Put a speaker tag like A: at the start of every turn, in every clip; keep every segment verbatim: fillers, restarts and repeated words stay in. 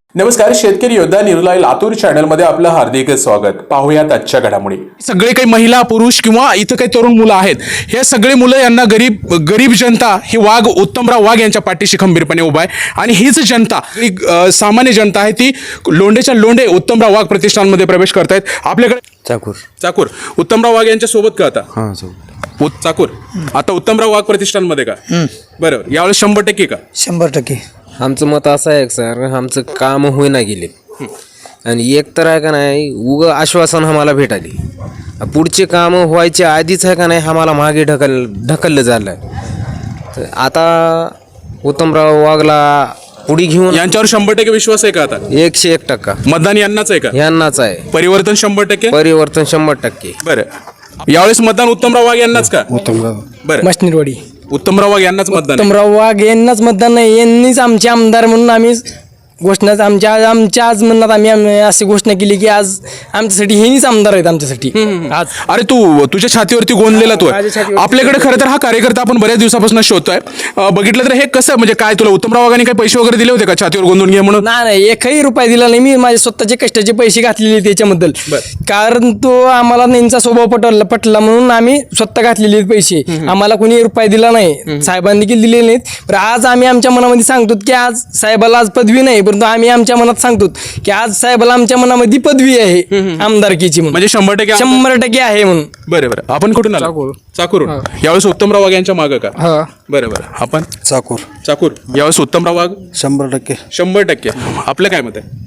A: नमस्कार, शेतकरी योद्धा निर्लय लातूर चॅनल मध्ये आपलं हार्दिक स्वागत. पाहूयात आजच्या घडामोडी. सगळे काही महिला पुरुष किंवा इथं काही तरुण मुलं आहेत, हे सगळे मुलं यांना गरीब गरीब जनता ही वाघ उत्तमराव वाघ यांच्या पाठीशी खंबीरपणे उभा आहे. आणि हीच जनता ही अ, सामान्य जनता आहे, ती लोंढेच्या लोंढे उत्तमराव वाघ प्रतिष्ठानमध्ये प्रवेश करतायत. आपल्याकडे
B: चाकूर
A: चाकूर उत्तमराव वाघ यांच्या सोबत का आता
B: हां सोबत
A: उत- चाकूर आता उत्तमराव वाघ प्रतिष्ठानमध्ये का? बरोबर, यावेळेस शंभर टक्के का?
C: शंभर टक्के.
B: आमचं मत असं आहे सर, आमचं काम होईना गेले आणि एक तर आहे का नाही उग आश्वासन आम्हाला भेटाली, पुढचे काम व्हायचे आधीच आहे का नाही आम्हाला मागे ढकल ढकललं झालं. तर आता उत्तमराव वाघला पुढे घेऊन
A: यांच्यावर शंभर टक्के विश्वास आहे का? आता
B: एकशे एक टक्का
A: मतदान यांनाच आहे का?
B: यांनाच आहे.
A: परिवर्तन शंभर टक्के.
B: परिवर्तन शंभर टक्के.
A: बरं, यावेळेस मतदान उत्तमराव वाघ यांनाच का? बरं,
C: मशनीरवाडी
A: उत्तमराव वाघ यांनाच मतदान आहे.
C: उत्तमराव वाघ यांनाच मतदान नाही, यांनीच आमचे आमदार म्हणून आम्ही घोषणा आमच्या आमच्या आज म्हणण्यात आम्ही आम्ही अशी घोषणा केली की आज आमच्यासाठी हेनीच आमदार आहेत आमच्यासाठी. आज
A: अरे तू तुझ्या छातीवरती गोंदलेला तू आहे.
C: माझ्या छातीवरती
A: आपल्याकडे खरं तर हा कार्यकर्ता आपण बऱ्याच दिवसापासून शोधतोय. अं, बघितलं तर हे कसं, म्हणजे काय तुला उत्तमराव वाघांनी काही पैसे वगैरे दिले होते का छातीवर गोंदून घे म्हणून?
C: नाही नाही एकही रुपये दिला नाही. मी माझे स्वतःचे कष्टाचे पैसे घातलेले त्याच्याबद्दल, कारण तो आम्हाला त्यांचा स्वभाव पटला पटला म्हणून आम्ही स्वतः घातलेले पैसे. आम्हाला कोणी रुपये दिला नाही, साहेबांनी देखील दिलेले नाहीत. पण आज आम्ही आमच्या मनामध्ये सांगतो की आज साहेबाला आज पदवी नाही, परंतु आम्ही आमच्या मनात सांगतो की आज साहेबाला आमच्या मनामध्ये पदवी आहे आमदारकीची म्हणून.
A: म्हणजे शंभर टक्के
C: शंभर टक्के आहे म्हणून.
A: बरं बरं, आपण कुठून आलो?
C: चाकूर.
A: चाकूरून. यावेळेस उत्तमराव वाघ यांच्या मागं का?
C: हा.
A: बरं बरं, आपण
D: चाकूर
A: चाकूर. यावेळेस उत्तमराव वाघ
D: शंभर टक्के.
A: शंभर टक्के. आपलं काय मत आहे?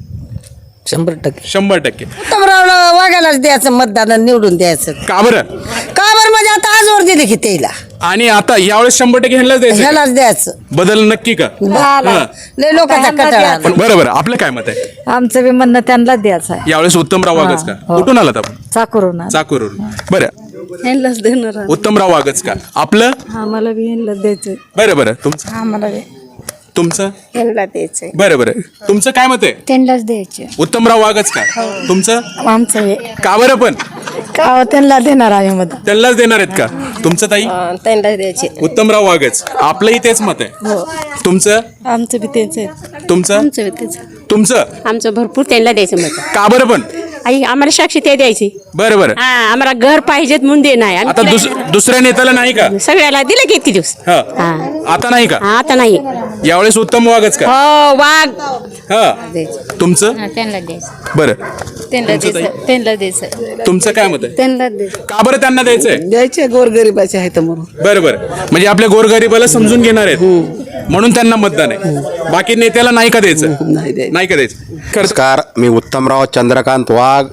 C: शंभर टक्के
A: शंभर टक्के.
E: उत्तमरावला वाघायलाच द्यायचं, मतदान निवडून द्यायचं.
A: का बरं?
E: का बरं म्हणजे आता आजवर दिले की त्याला
A: आणि आता यावेळेस शंभर टक्के ह्यांनाच द्यायचं का?
E: ह्यालाच द्यायचं.
A: बदल नक्की का? हा.
E: लय लोकांचा कटाळा.
A: पण बरं बरं, आपलं काय मत आहे?
F: आमचं बी म्हणणं त्यांनाच द्यायचं आहे.
A: यावेळेस उत्तमराव वाघच का?
F: हो.
A: कुठून आलात आपण?
F: चाकरून
A: चाकूरून. बरं,
F: ह्यांनाच देणार आहे.
A: उत्तमराव वाघच का? आपलं?
F: आम्हाला बी ह्यांनाच द्यायचं.
A: बरं बरं, तुमचं
E: आम्हाला
A: तुमचं
E: ह्याला द्यायचंय.
A: बरं बरं, तुमचं काय मत आहे?
F: त्यांनाच द्यायचे.
A: उत्तमराव वाघच का? तुमचं?
F: आमचं
A: का बरं पण?
F: का त्यांना देणार आहे मत.
A: त्यांनाच देणार आहेत का? तुमचं ताई?
E: त्यांना द्यायचे.
A: उत्तमराव वाघच. आपलंही तेच मत आहे. तुमचं?
F: आमचं बी तेच आहे.
A: तुमचं?
G: आमचं तेच.
A: तुमचं?
G: आमचं भरपूर त्यांना द्यायचं मत.
A: का बरं पण?
G: आई आम्हाला साक्षी ते द्यायची.
A: बरं बरं,
G: हा, आम्हाला घर पाहिजेत म्हणून दे नाही. आम्ही
A: आता दुस- दुसऱ्या नेत्याला नाही का?
G: सगळ्याला दिलं की इतके दिवस.
A: हा.
G: हा.
A: आता नाही का?
G: हा, आता नाही.
A: यावेळेस उत्तम वाघच का?
G: हो, वाघ.
A: हा. तुमचं?
F: त्यांना द्यायचं.
A: बरं,
F: त्यांना
A: तुमचं ताई?
F: द्यायचं. त्यांना द्यायचं.
A: तुमचं काय मत आहे?
F: त्यांना द्यायचं.
A: का बरं त्यांना द्यायचंय?
E: द्यायचे गोरगरिबाचे आहेत म्हणून.
A: बरं बरं, म्हणजे आपल्या गोरगरिबाला समजून घेणार आहेत म्हणून त्यांना मतदान आहे. बाकी नेत्याला नाही का द्यायचं? नाही का द्यायचं? खरंच.
D: नमस्कार, मी उत्तमराव चंद्रकांत वाघ,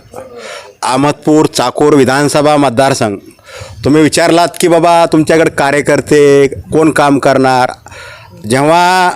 D: अहमदपूर चाकूर विधानसभा मतदारसंघ. तुम्ही विचारलात की बाबा तुमच्याकडे कार्यकर्ते कोण काम करणार. जेव्हा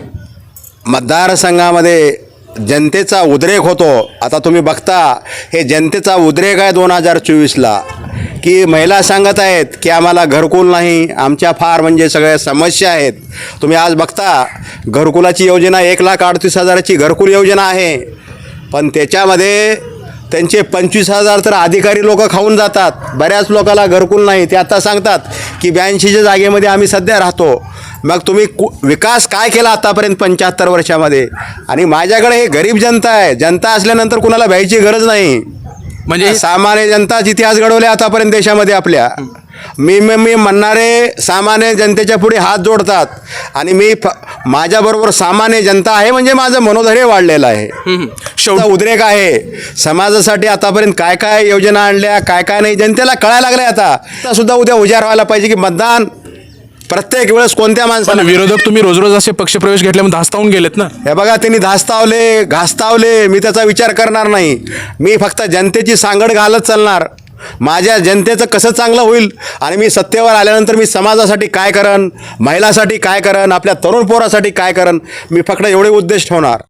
D: मतदारसंघामध्ये जनतेचा उद्रेक होतो, आता तुम्ही बघता हे जनतेचा उद्रेक आहे दोन हजार चोवीसला, की महिला सांगत आहेत की आम्हाला घरकुल नाही, आमच्या फार म्हणजे सगळ्या समस्या आहेत. तुम्ही आज बघता घरकुलाची योजना एक लाख अडतीस हजाराची घरकुल योजना आहे, पण त्याच्यामध्ये त्यांचे पंचवीस हजार तर अधिकारी लोक खाऊन जातात. बऱ्याच लोकांना घरकुल नाही. ते आता सांगतात की ब्याऐंशीच्या जागेमध्ये आम्ही सध्या राहतो. मग तुम्ही कु विकास काय केला आतापर्यंत पंच्याहत्तर वर्षामध्ये? आणि माझ्याकडे हे गरीब जनता आहे. जनता असल्यानंतर कुणाला भ्यायची गरज नाही. म्हणजे सामान्य जनताच इतिहास घडवले आतापर्यंत देशामध्ये आपल्या. मी मी मी म्हणणारे सामान्य जनतेच्या पुढे हात जोडतात आणि मी फ माझ्याबरोबर सामान्य जनता आहे, म्हणजे माझं मनोधैर्य वाढलेलं आहे. शेवटा उद्रेक आहे. समाजासाठी आतापर्यंत काय काय योजना आणल्या, काय काय नाही, जनतेला कळायला लागलं. आता सुद्धा उद्या उजाड व्हायला पाहिजे की मतदान प्रत्येक वेळेस कोणत्या
A: पण
D: माणसाला.
A: विरोधक तुम्ही रोज रोज असे पक्षप्रवेश घेतल्यामुळे धास्तावून गेलेत ना.
D: हे बघा, त्यांनी धास्तावले घास्तावले, मी त्याचा विचार करणार नाही. मी फक्त जनतेची सांगड घालत चालणार. माझ्या जनतेचं कसं चांगलं होईल आणि मी सत्तेवर आल्यानंतर मी समाजासाठी काय करन, महिलासाठी काय करन, आपल्या तरुण पोरासाठी काय करन, मी फक्त एवढे उद्देश ठेवणार.